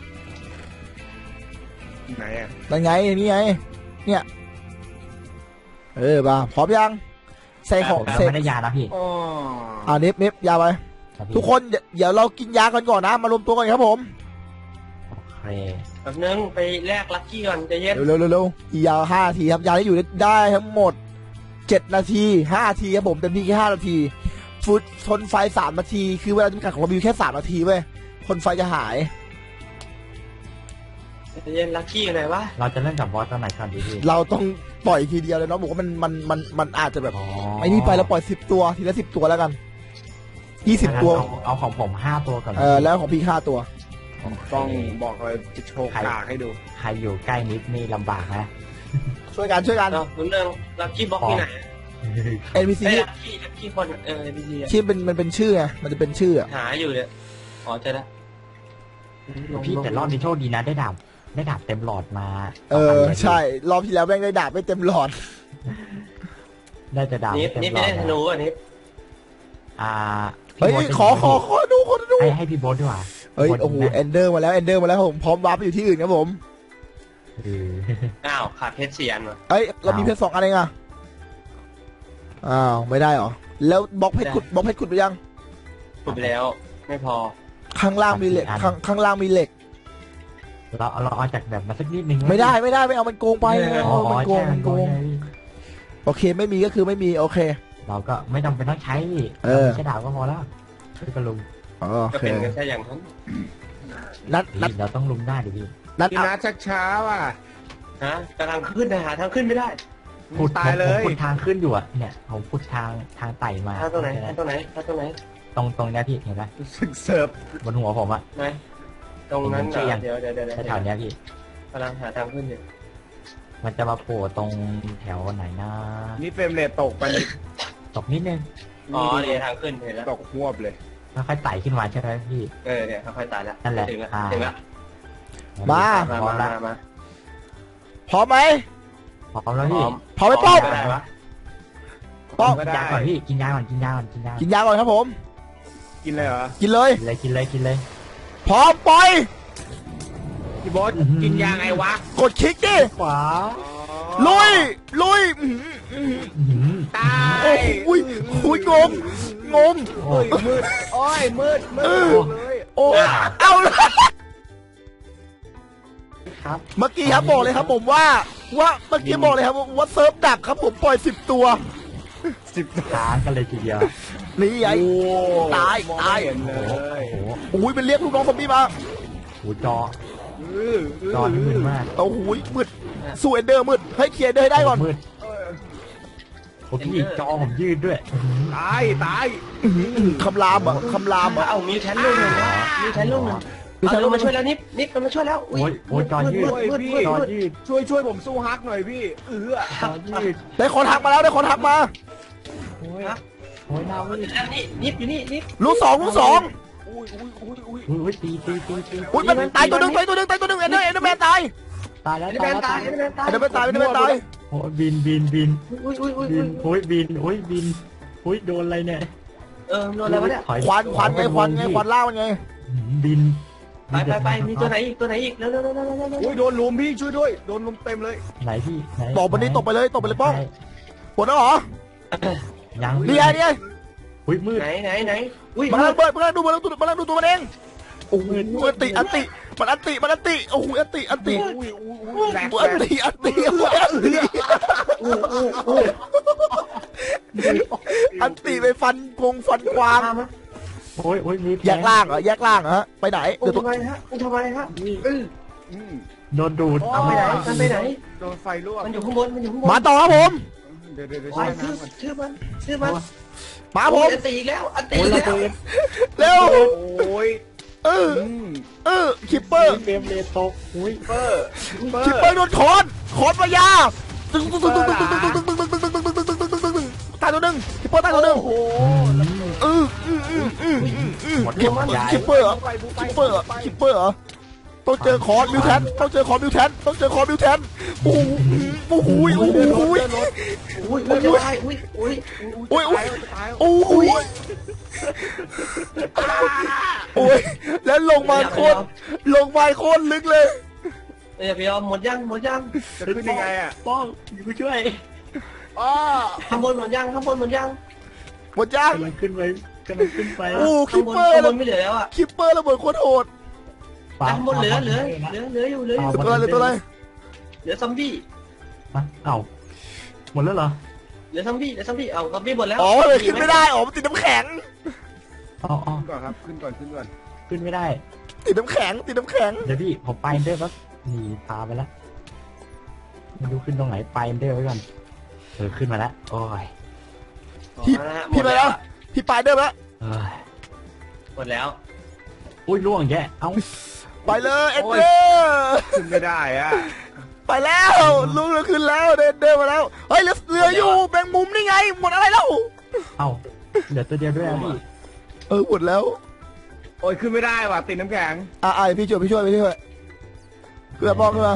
[SPEAKER 3] ไหนอ่ะ
[SPEAKER 1] นั่นไงนี่ไงเนี่ยมาพร้อมยังใส่ของ
[SPEAKER 2] เรา
[SPEAKER 1] เสร็จ
[SPEAKER 2] ไม่ได้ยานะพี่
[SPEAKER 3] อ๋อ
[SPEAKER 1] นิฟยาไป
[SPEAKER 2] ครับพี่
[SPEAKER 1] ทุกคนเดี๋ยวเรากินยากันก่อนนะมารวมตัวกันครับผม
[SPEAKER 2] โอเค
[SPEAKER 4] แป๊บนึงไปแลกลัคกี้ก่อนใจะเย็น
[SPEAKER 1] เร็วอีกยา5 นาทีครับยาที่อยู่ได้ทั้งหมด7 นาที5 นาทีครับผมเต็มที่แค่5 นาทีฟุตทนไฟ3 นาทีคือเวลาจำกัดของเรามีอยู่แค่3 นาทีเว้ยทนไฟจะหาย
[SPEAKER 4] ใจะเย็นลัคกี้อยู่ไหนวะ
[SPEAKER 2] เราจะเล่นกับบอสตัวไหนก่อนดีพี่
[SPEAKER 1] เราต้องปล่อยทีเดียวเลยเนาะบอกว่ามันอาจจะแบบ
[SPEAKER 2] อ๋อ
[SPEAKER 1] ไอ้นี่ไปแล้วปล่อย10 ตัวทีละ10 ตัวแล้วกัน20 ตัว
[SPEAKER 2] เอาของผม5 ตัวก่อน
[SPEAKER 1] แล้วของพี่5 ตัว
[SPEAKER 3] ต้องบอกเลยจะโชว์กากให้ดู
[SPEAKER 2] ใครอยู่ใกล้นิดนี่ลำบากนะ
[SPEAKER 1] ช่วยกัน
[SPEAKER 4] เอ้าคุณเรื่องลัคกี้บ็อกที่ไหน
[SPEAKER 1] NPC
[SPEAKER 4] ไอ้ลัคกี้คนNPC อะ
[SPEAKER 1] ที่มันเป็นชื่อไงมันจะเป็นชื่ออะ
[SPEAKER 4] หาอยู่เนี่ยอ๋อเจอแล้ว
[SPEAKER 2] พี่แต่รอบนี้โชคดีนะได้ดาบเต็มหลอดมา
[SPEAKER 1] ใช่รอบที่แล้วแม่งได้ดาบไม่เต็มหลอด
[SPEAKER 2] ได้จะดาบ
[SPEAKER 4] นี่
[SPEAKER 2] เต็ม
[SPEAKER 4] นี่
[SPEAKER 2] หล
[SPEAKER 4] ไม่
[SPEAKER 2] อ
[SPEAKER 4] ได้
[SPEAKER 2] ด
[SPEAKER 4] ธนูอ่ะนี่
[SPEAKER 1] เฮ้ยขอดู
[SPEAKER 2] ให้พี่โบ๊ทดีกว่า
[SPEAKER 1] เฮ้ยโอ้โหเอนเดอร์มาแล้วผมพร้อมวาร์ปไปอยู่ที่อื่นครับผม
[SPEAKER 2] เออ
[SPEAKER 4] อ้าวขาดเพชรเสียนว่ะ
[SPEAKER 1] เอ้ยเรามีเพชร2 อันเองอะอ้าวไม่ได้เหรอแล้วบล็อกเพชรขุดไปยัง
[SPEAKER 4] ขุดไปแล้ว ไม่พอ
[SPEAKER 1] ข้างล่างมีเหล็กข้างล่างมีเหล็ก
[SPEAKER 2] เราเอาจากแบบมาสักนิดนึง
[SPEAKER 1] ไม่ได้ไม่เอามันโกงไป
[SPEAKER 2] อ๋อ
[SPEAKER 1] มันโกง
[SPEAKER 2] ใช่
[SPEAKER 1] มันโกง
[SPEAKER 2] ใช่
[SPEAKER 1] โอเคไม่มีก็คือไม่มีโอเค
[SPEAKER 2] เราก็ไม่จำเป็นต้องใช้
[SPEAKER 1] เออ
[SPEAKER 2] ใช้ดาบก็พอแล้วช่วยกันลุม
[SPEAKER 1] โอ
[SPEAKER 4] ก็
[SPEAKER 1] เค
[SPEAKER 4] เป็นกันแค่อย่างนั้น
[SPEAKER 1] นัด
[SPEAKER 2] เราต้องลุมได้ดิพี่
[SPEAKER 3] พี่นัทชักช้าว่ะ
[SPEAKER 4] ฮะกำลังขึ้นนะหาทางขึ้นไม่ได้
[SPEAKER 2] ขุด
[SPEAKER 3] ตายเลย
[SPEAKER 2] ผมขุดทางขึ้นอยู่อะเนี่ยผมขุดทางไต่มา
[SPEAKER 4] ทางตรงไหนทางตรงไหนทางตรงไหน
[SPEAKER 2] ตรงเนี้ยพี่เห็นไหม
[SPEAKER 3] รู้สึกเสิร์ฟ
[SPEAKER 2] บนหัวผมอะ
[SPEAKER 4] ไหนตรงนั้นเหร
[SPEAKER 2] เห็นชื่อยั
[SPEAKER 4] อง เดี๋ยว
[SPEAKER 2] แถวๆเนี้ยพี่
[SPEAKER 4] กำลังหาทางขึ้นอยู่
[SPEAKER 2] มันจะมาโผล่ตรงแถวไหนนะ
[SPEAKER 3] นี่เฟรมเรทตกไปนิด
[SPEAKER 2] ตกนิดนึง
[SPEAKER 4] อ๋อเนี่ยทางขึ้นเห็นแล้ว
[SPEAKER 3] ตกหวบเลย
[SPEAKER 2] ค่อยๆไต่ขึ้นมาใช่ไหมพี่
[SPEAKER 4] เนี่ยค่อยๆตายแล้ว
[SPEAKER 2] นั่นแหละ
[SPEAKER 4] ถึงแล้ว
[SPEAKER 2] อ่า
[SPEAKER 4] ถึงแล้ว
[SPEAKER 1] มา
[SPEAKER 2] พร้อมแล้ว
[SPEAKER 4] มา
[SPEAKER 1] พร้อมไหม
[SPEAKER 2] พร้อมแล้วพี่
[SPEAKER 1] พร้อมไหมป้อง
[SPEAKER 4] ก็ได้วะ
[SPEAKER 1] ป้อง
[SPEAKER 3] ก็
[SPEAKER 2] กิน
[SPEAKER 3] ได้
[SPEAKER 2] ยาก่อนพี่กินยาก่อนกินยาก่อน
[SPEAKER 1] กินยาก่อนครับผม
[SPEAKER 3] กินเลยเหรอ
[SPEAKER 1] กินเลย
[SPEAKER 2] กินเลย
[SPEAKER 1] พร้อมปล่อย
[SPEAKER 3] พี่โบ๊ทกินยาไงวะ
[SPEAKER 1] กดคลิกดิ
[SPEAKER 2] ขวา
[SPEAKER 1] ลุยอื้อหือ
[SPEAKER 3] ตาย
[SPEAKER 1] โอ้ยงง
[SPEAKER 2] โอ้
[SPEAKER 3] โอ้ยมืดโอ้ยมืดเลย
[SPEAKER 1] โอ้เอาละ
[SPEAKER 2] ครับ
[SPEAKER 1] เมื่อกี้ครับบอกเลยครับผมว่าเมื่อกี้บอกเลยครับว่าเซิร์ฟดับครับผมปล่อย10 ตัว
[SPEAKER 2] ค้างกันเลยทีเดียว
[SPEAKER 1] นี่ไง
[SPEAKER 3] โอ้
[SPEAKER 1] ตาย
[SPEAKER 3] มอง
[SPEAKER 1] ตาย
[SPEAKER 3] ไม่เห็นเล
[SPEAKER 2] โอ้
[SPEAKER 3] ย
[SPEAKER 2] โห
[SPEAKER 1] โอ้ยเป็นเรียกลูกน้องซอมบี้มา
[SPEAKER 2] โอ้โหจอ
[SPEAKER 3] อื้อ
[SPEAKER 2] จอนี่มืดมาก
[SPEAKER 1] โอ้โหมืดสู้เอนเดอร์มืดให้เคลียร์เดอร์ให้ได้ก่อน
[SPEAKER 2] มืด
[SPEAKER 3] เออ
[SPEAKER 2] โอ้พี่จอผมยืดด้วย
[SPEAKER 3] ตายตาย
[SPEAKER 1] คำรามอ่ะคำรามอ่ะ
[SPEAKER 4] เอามิวแทนลูกหนึ่งนะมิวแทนลูกหนึ่งเอาลงมาช่วยแล้วนิฟมันมาช่วยแล้ว
[SPEAKER 2] โอ้ยโอ้ยจอยืด
[SPEAKER 3] ช่วยพี่
[SPEAKER 2] จอยืด
[SPEAKER 3] ช่วยผมสู้ฮักหน่อยพี่
[SPEAKER 2] จอยืด
[SPEAKER 1] ได้คอนทักมาแล้วได้คอนทักมา
[SPEAKER 2] โอ้ยโอ้ยหน้ามืด
[SPEAKER 4] แล้วนี่นิฟอยู่นี่นิฟ
[SPEAKER 1] ลูกสอง
[SPEAKER 3] อุ้ยอุ้ยอุ้ยอุ้ย
[SPEAKER 2] อุ้ยตี
[SPEAKER 1] อุ้ยมันตายตัวหนึ่งตายตัวหนึ่งเอนเดอร์แมนตาย
[SPEAKER 2] ตายแล้ว
[SPEAKER 4] ไอ้แมนตายไอ้แมนตาย
[SPEAKER 1] เอนเดอร์แมนตายเอนเดอร์แมนตาย
[SPEAKER 2] โอ้ยบิน
[SPEAKER 4] อุ้ย
[SPEAKER 2] บินโอ้ยบินโอ้ยบินโอ้ยโดนอะไรเนี่ย
[SPEAKER 4] โดนอะไรวะเนี่ย
[SPEAKER 2] ถอย
[SPEAKER 1] ควันไงควันล่ามันไง
[SPEAKER 2] บิน
[SPEAKER 4] ไปมีตัวไหนอีกเร็ว
[SPEAKER 3] อุ้ยโดนลุมพี่ช่วยด้วยโดนลุมเต็มเลย
[SPEAKER 2] ไหนพี่ไหน
[SPEAKER 1] ตบมันนี้ตบไปเลยป้องหมดแล้วเหรอ
[SPEAKER 2] ยัง
[SPEAKER 1] นี่ไงนี่ไง
[SPEAKER 2] อุ้ยมืด
[SPEAKER 4] ไหนอุ้ย
[SPEAKER 1] มันระเบิดมันดูตัวมันเองโอ้โหอันติมันอันติโอ้โหอันติ
[SPEAKER 3] อุ้ยอุ้ยแหลก
[SPEAKER 1] อันติไปฟันกวาง
[SPEAKER 2] โอ้ยมี
[SPEAKER 1] แยกล่างเหรอฮะไปไหนเดี๋ยวตัว
[SPEAKER 4] ทำไมฮะ
[SPEAKER 2] โดนดูด
[SPEAKER 4] เอาไปไหน
[SPEAKER 3] โดนไฟลวก
[SPEAKER 4] มันอยู่ข้างบน
[SPEAKER 1] มาต่อครับผม
[SPEAKER 3] เดี๋ยว
[SPEAKER 4] ไป
[SPEAKER 3] ช่วยนะ
[SPEAKER 4] ชื่อมัน
[SPEAKER 1] มาผม
[SPEAKER 4] อันตีอีกแล้ว
[SPEAKER 2] โอ้ยระเบิด
[SPEAKER 1] เร็ว
[SPEAKER 3] โอ้ย
[SPEAKER 1] คิปเปอร์
[SPEAKER 2] เฟรมเรทตกอุ้ย
[SPEAKER 3] เปอร์
[SPEAKER 1] คิปเปอร์โดนคอนมายาตายตัวหนึ่งคิปเปอร์ตายตัวหนึ่ง
[SPEAKER 3] โอ้โห
[SPEAKER 1] คิปเปอร์เหรอต้องเจอคอนมิวแทนต้องเจอคอนมิวแทนโอ้โหโอ้โห
[SPEAKER 4] อุ้ย
[SPEAKER 1] โอ้ยแล้วลงมาโคตรลึกเลย
[SPEAKER 4] พี่หมดยัง
[SPEAKER 3] จะขึ้นยังไงอ่ะ
[SPEAKER 2] ป้องอยู่ช่วย
[SPEAKER 3] อ๋อ
[SPEAKER 4] ข้างบนหมดยัง
[SPEAKER 1] หมดย่าง
[SPEAKER 2] กำลังขึ้นไป
[SPEAKER 1] โอ้คิ
[SPEAKER 4] ข้าง
[SPEAKER 1] ป
[SPEAKER 4] บน
[SPEAKER 1] เปอร์
[SPEAKER 4] ไม่เหลือแล้วอ่ะ
[SPEAKER 1] คิปเปอร์ระเบิดโคตรโหด
[SPEAKER 4] ข้างบนเหลืออยู่
[SPEAKER 1] เหลือตัวอะไร
[SPEAKER 4] เหลือซอมบี้
[SPEAKER 2] เอ้าหมดแล้วเหรอ
[SPEAKER 4] เหลือซอมบี้เอาซอมบี้หมดแล้ว
[SPEAKER 1] อ๋อเลยขึ้นไม่ได้อ๋อมันติดน้ำแข็ง
[SPEAKER 2] อ๋อ
[SPEAKER 3] ขึ้นก่อนครับขึ้นก่อน
[SPEAKER 2] ขึ้นไม่ได้
[SPEAKER 1] ติดน้ำแข็ง
[SPEAKER 2] เดี๋ยวพี่ผมไปเดอร์ปั๊บนี่พาไปแล้วไม่รู้ขึ้นตรงไหนไปเดอร์ไว้ก่อนขึ้นมาแล้วโอ้ย
[SPEAKER 1] พี่ไปแล้วพี่ไปเดิมแล้ว
[SPEAKER 4] หมดแล้ว
[SPEAKER 2] อุ้ยล่วงแย่เอ้า
[SPEAKER 1] ไปเลยเอ็นเดอร์
[SPEAKER 3] ขึ้นไม่ได้อ่ะ
[SPEAKER 1] ไปแล้วลุงขึ้นแล้วเดินมาแล้วเฮ้ยเรืออยู่แบงมุมนี่ไงหมดอะไรแล้ว
[SPEAKER 2] เอ้าเหลือตัวเดียวด้วยพี่
[SPEAKER 1] หมดแล้ว
[SPEAKER 3] โอ้ยขึ้นไม่ได้ว่ะติดน้ำแข็ง
[SPEAKER 1] พี่ช่วยเพื่อป้องขึ้นมา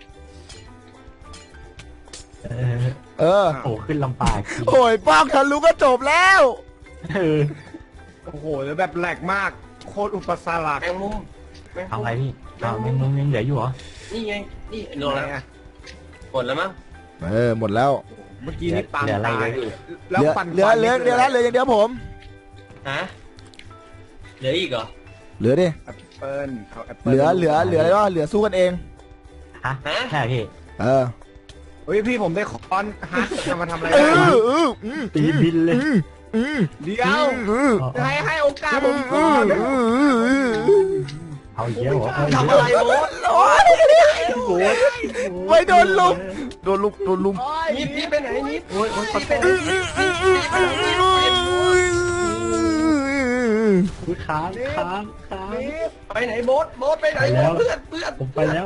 [SPEAKER 2] โอ้ขึ้นลำปาก
[SPEAKER 1] โอ้ยป้องทะลุก็จบแล้ว
[SPEAKER 3] โอ้โหแล้วแบบแหลกมากโคตรอุปสรรค
[SPEAKER 4] แมงมุม
[SPEAKER 2] เอาอะไรพี่เอาแมงมุมยังเหลืออยู่เหรอ
[SPEAKER 4] นี่ไงนี่โดนแล้วหมดแล้วมั้ง
[SPEAKER 1] หมดแล้ว
[SPEAKER 3] เมื่อกี้นี่ปาง
[SPEAKER 2] เหลืออะไร
[SPEAKER 3] ตาย
[SPEAKER 2] เลยพี่
[SPEAKER 3] แล้วฟัน
[SPEAKER 1] เหลืออย่างเดียวผม
[SPEAKER 4] ฮะเหลืออีกเหรอ
[SPEAKER 1] เหลือดิ
[SPEAKER 3] แอปเปิ้ลเอาแอป
[SPEAKER 1] เห
[SPEAKER 3] เปิ้ล
[SPEAKER 1] ลืออะไรวะเหลือสู้กันเอง
[SPEAKER 2] ฮะใช่พี่
[SPEAKER 3] เฮ้ยพี่ผมได้คอนฮัทจะมาทำอะไร
[SPEAKER 2] ตีบินเลย
[SPEAKER 3] เดี๋ยวให้โอกาสผมก่อน
[SPEAKER 2] เอาเยอะเหรอ
[SPEAKER 4] ทำอะไรโบ๊ท
[SPEAKER 1] ไม่โดนลุม
[SPEAKER 4] นิดไปไหนนิด
[SPEAKER 2] โอ้ย
[SPEAKER 4] นิดไปไหน
[SPEAKER 2] ค้าง
[SPEAKER 4] ไปไหนโบ๊ทไปไหนเพื่อน
[SPEAKER 2] ผมไปแล้ว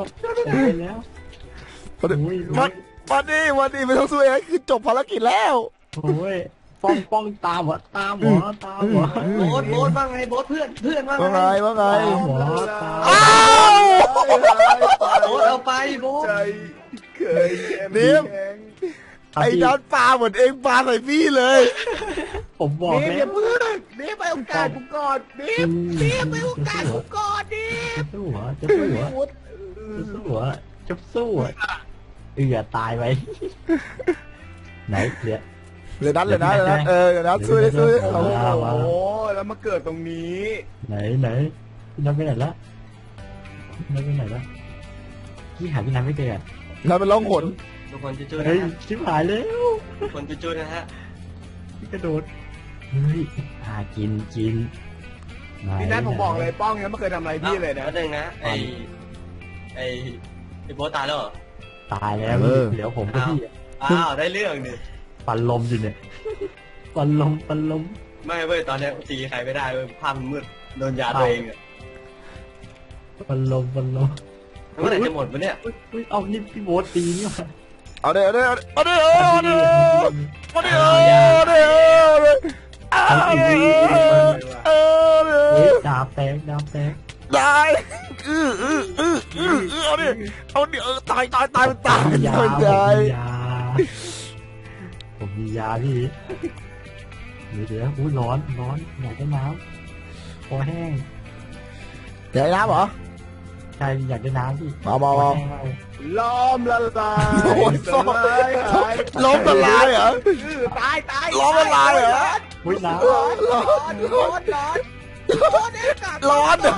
[SPEAKER 1] วันนี้ไม่ต้องสู้เองคือจบภารกิจแล้ว
[SPEAKER 2] โอ้ยป้องตามเหรอ
[SPEAKER 4] โบ๊ทว่าไงโบ๊ทเพื่อนว่าไง
[SPEAKER 1] ว่าไง
[SPEAKER 2] หัวตา
[SPEAKER 1] อ้าว
[SPEAKER 4] โบ๊ทเอาไปโบ๊ท
[SPEAKER 3] ใจเคย
[SPEAKER 1] นิ่มไอ้ดอนปลาเหมือนเองปลาใส่พี่เลย
[SPEAKER 2] ผมบอก
[SPEAKER 3] นี่
[SPEAKER 2] แล้ว
[SPEAKER 3] เพื่อนนี่ไปโอกาสกูก่อนนี่ไปโอกาสกูก่อนนี่
[SPEAKER 2] สู้หัวตายไปไหนเหลือ
[SPEAKER 1] เลยนัดเลยนะสู้
[SPEAKER 3] โอ้โหแล้วมาเกิดตรงนี้
[SPEAKER 2] ไหนนับไปไหนละพี่หาพี่นันไม่เจอ
[SPEAKER 1] แล้วมันร้องหน
[SPEAKER 4] ทุกคนจุ๊ๆนะ
[SPEAKER 2] เฮ้ย
[SPEAKER 4] ฮะ
[SPEAKER 2] ชิบหายแล้ว
[SPEAKER 4] ทุกคนจุ๊ๆนะฮะ
[SPEAKER 2] พี่กระโดดเฮ้ยกิน
[SPEAKER 3] พี่นัทผมบอกเลยป้องยังไม่เคยทำอะไรพี่เลยนะ
[SPEAKER 4] แล้วนึงนะไอ้โบทตายแล้วเหรอ
[SPEAKER 2] ตายแล้วพี่เหลือผมกับพี่อะ
[SPEAKER 4] อ้าวได้เรื่องดิ
[SPEAKER 2] ปันลมอยู่เนี่ยปันลม
[SPEAKER 4] ไม่เว้ยตอนนี้ตีใครไม่ได้เว้ยภาพมันมืดโดนยาตัวเองอะ
[SPEAKER 2] ปันลม
[SPEAKER 4] เมื่อไหร่จะหมดวะเนี่ย
[SPEAKER 2] อุ้ยเอานี่พี่โบ๊ทตีนี่มา
[SPEAKER 1] เอาเดี๋ยวเอา
[SPEAKER 2] เฮ้ยดาบแตก
[SPEAKER 1] ได้เอาดิตายมันตาย
[SPEAKER 2] ผมมียาพี่เดี๋ยวอุ้ยร้อนอยากได้น้ำคอแห้ง
[SPEAKER 1] เดี๋ยวน้ำเหรอ
[SPEAKER 2] ใช่อยากได้น้ำพี่
[SPEAKER 1] มา
[SPEAKER 3] ล้อมละลายสลายหาย
[SPEAKER 1] ล้มละลายเหรอ
[SPEAKER 3] ตาย
[SPEAKER 1] ล้มละลายเหรอ
[SPEAKER 2] อุ้ยน้
[SPEAKER 3] ร้อน
[SPEAKER 1] ร้อน
[SPEAKER 3] เด็กกัด
[SPEAKER 1] ร้อนเหรอ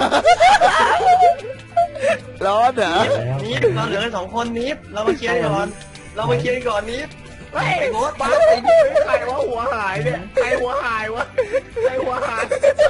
[SPEAKER 2] ำแล้ว
[SPEAKER 4] นิฟเราเหลือกัน2 คนนิฟเรามาเคลียร์ก่อนนิฟ
[SPEAKER 3] เฮ้ย
[SPEAKER 4] ไอ้โบ๊ท
[SPEAKER 3] บ้าไอ้นี่ใครว่าหัวหายเนี่ยใครหัวหายวะใครหัวหาย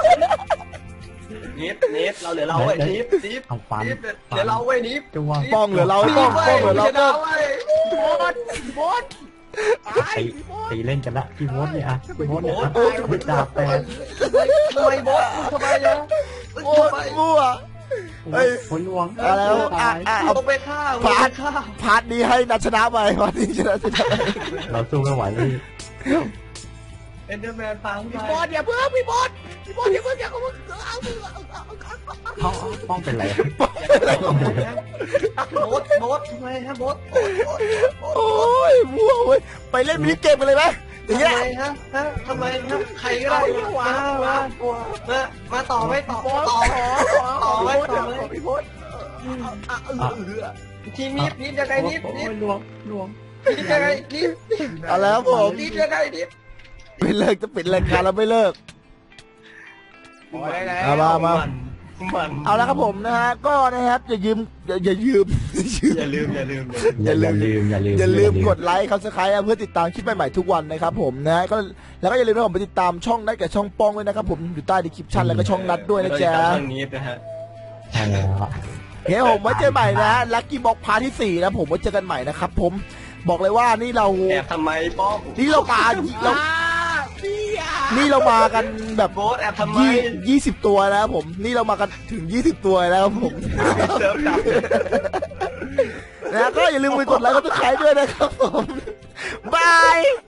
[SPEAKER 4] นิฟเราเหลือเราเว้ยนิฟ
[SPEAKER 2] เอาฟัน
[SPEAKER 4] เหลือเราเว้ยนิฟ
[SPEAKER 2] จ้วง
[SPEAKER 1] ป้องเหลือเราป้องเหลือเราป้อง
[SPEAKER 3] บดตาย
[SPEAKER 2] ตีเล่นกันละพี่โบ๊ทเนี่ยอะพี่โบ๊ทเนี่ยอะดาบแตก
[SPEAKER 4] ทำไมโบ๊ททำไมอะ
[SPEAKER 1] โอ้ยมั่ว เฮ้ย
[SPEAKER 2] ผลลวง
[SPEAKER 1] เอาแล้วเอา
[SPEAKER 4] เอาไปฆ่า
[SPEAKER 1] พาร์ทนี้ให้นัดชนะไปพาร์ทนี้ชนะ
[SPEAKER 2] เราสู้ไม่ไหวเลย
[SPEAKER 4] เอ็นเดอร์แมนฟัง
[SPEAKER 3] พี่บดอย่าเพิ่งพี่บดอย่าเพิ่งเอา
[SPEAKER 2] เขาป้องเป็นไร
[SPEAKER 4] โบ๊ททำไมฮะโบ๊ท
[SPEAKER 1] โอ้ยมั่วเว้ยไปเล่นมินิเกมกันเลยไหมอย่างเงี้ย
[SPEAKER 4] ทำไมฮะใครก็ได้มาต่อไม่ต่อ
[SPEAKER 3] พี่บด
[SPEAKER 4] ทีมนิฟยังไงนิฟ
[SPEAKER 2] ลวง
[SPEAKER 4] นิฟยังไงนิฟ
[SPEAKER 1] เอาแล้วผม
[SPEAKER 4] นิฟยังไงนิฟ
[SPEAKER 1] ไม่เลิกจะปิดรายการแล้วไม่เลิก มา เอาแล้วครับผมนะฮะก็นะครับอย่าลืมกดไลค์Subscribeเพื่อติดตามคลิปใหม่ๆทุกวันนะครับผมนะก็แล้วก็อย่าลืมนะผมไปติดตามช่องนัดกับช่องป้องด้วยนะครับผมอยู่ใต้ดีคริปชั่นแล้วก็ช่องนัดด้วยนะจ๊ะ
[SPEAKER 4] ช่องนิฟนะฮะ
[SPEAKER 2] ใช่แล้ว
[SPEAKER 1] เฮ้ยผมไว้เจอใหม่นะลัคกี้บ็อกพาร์ทที่4นะผมไว้เจอกันใหม่นะครับผมบอกเลยว่านี่เรา
[SPEAKER 4] แอบทำไมป้อง
[SPEAKER 1] นี่เรามากันแบบ
[SPEAKER 4] โบ๊ทแอบทำไม
[SPEAKER 1] 20 ตัวนะครับผมนี่เรามากันถึง20 ตัวแล้วครับผม
[SPEAKER 4] เสิร์ฟดับ
[SPEAKER 1] นะก็อย่าลืมไปกดไลค์กดติดตามด้วยนะครับผมบาย